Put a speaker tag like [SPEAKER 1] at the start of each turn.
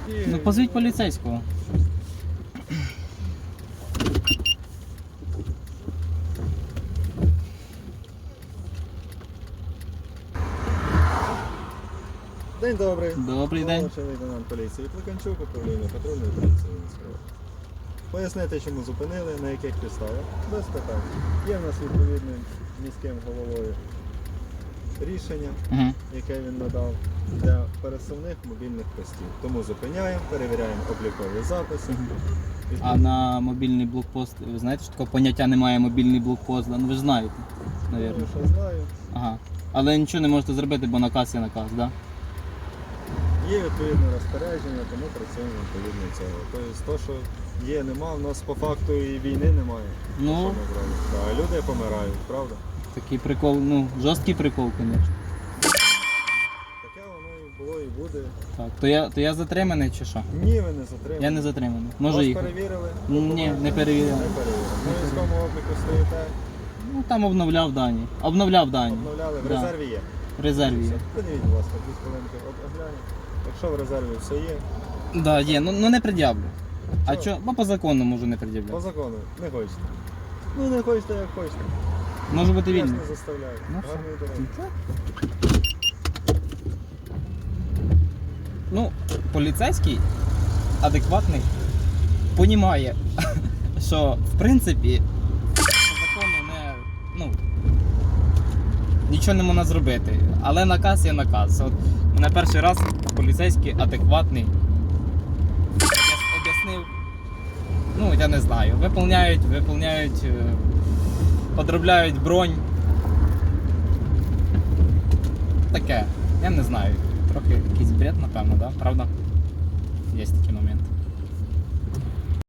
[SPEAKER 1] Ну, позвіть поліцейського.
[SPEAKER 2] День добрий.
[SPEAKER 1] Добрий день.
[SPEAKER 2] Молодший лейтенант поліції Плаканчук, управління патрульної поліції Вінницької. Пояснити, чому зупинили, на яких підставах. Без питань. Є в нас відповідним міським головою рішення, яке він надав для пересувних мобільних постів. Тому зупиняємо, перевіряємо облікові записи.
[SPEAKER 1] А на мобільний блокпост, ви знаєте, що такого поняття немає мобільний блокпост, ну ви ж знаєте,
[SPEAKER 2] Ну,
[SPEAKER 1] мабуть.
[SPEAKER 2] що знаю.
[SPEAKER 1] Ага. Але нічого не можете зробити, бо наказ є наказ, так? Да?
[SPEAKER 2] Є відповідне розпорядження, тому працюємо відповідно цього. Тобто, то, що є, нема, в нас по факту і війни немає.
[SPEAKER 1] Ну.
[SPEAKER 2] Що ми зробимо? Да, люди помирають, правда?
[SPEAKER 1] Такий прикол, ну, жорсткий прикол, звісно.
[SPEAKER 2] Таке воно і було, і буде.
[SPEAKER 1] Так, то я затриманий чи що?
[SPEAKER 2] Ні, ви не затримані.
[SPEAKER 1] Я не затриманий. Можу
[SPEAKER 2] Вас
[SPEAKER 1] їхати.
[SPEAKER 2] перевірили?
[SPEAKER 1] Ні, не перевіряли.
[SPEAKER 2] Не перевірили. На військовому обліку стоїте,
[SPEAKER 1] Ну, там обновляв дані. Обновляв дані.
[SPEAKER 2] обновляли, в
[SPEAKER 1] Да.
[SPEAKER 2] резерві є.
[SPEAKER 1] В резерві є.
[SPEAKER 2] Подивіть, будь ласка, 2 хвилинки оглянемо. Якщо в резерві все є,
[SPEAKER 1] Да, є, ну не пред'явлю. А
[SPEAKER 2] Чого?
[SPEAKER 1] що? Бо по закону можу не
[SPEAKER 2] по
[SPEAKER 1] пред'являти.
[SPEAKER 2] закону, не хочете. Ну не хочете, як хочете.
[SPEAKER 1] Можу бути
[SPEAKER 2] Я ж
[SPEAKER 1] вільний.
[SPEAKER 2] не заставляю.
[SPEAKER 1] Ну,
[SPEAKER 2] Гарної дороги.
[SPEAKER 1] Ну, поліцейський адекватний понімає, що в принципі по закону не, ну, нічого не можна зробити. Але наказ є наказ. От мене перший раз поліцейський адекватний об'яснив, ну я не знаю, виповняють, подробляють бронь. Таке, я не знаю. Трохи якийсь бред, напевно, да? Правда? Є такі моменти.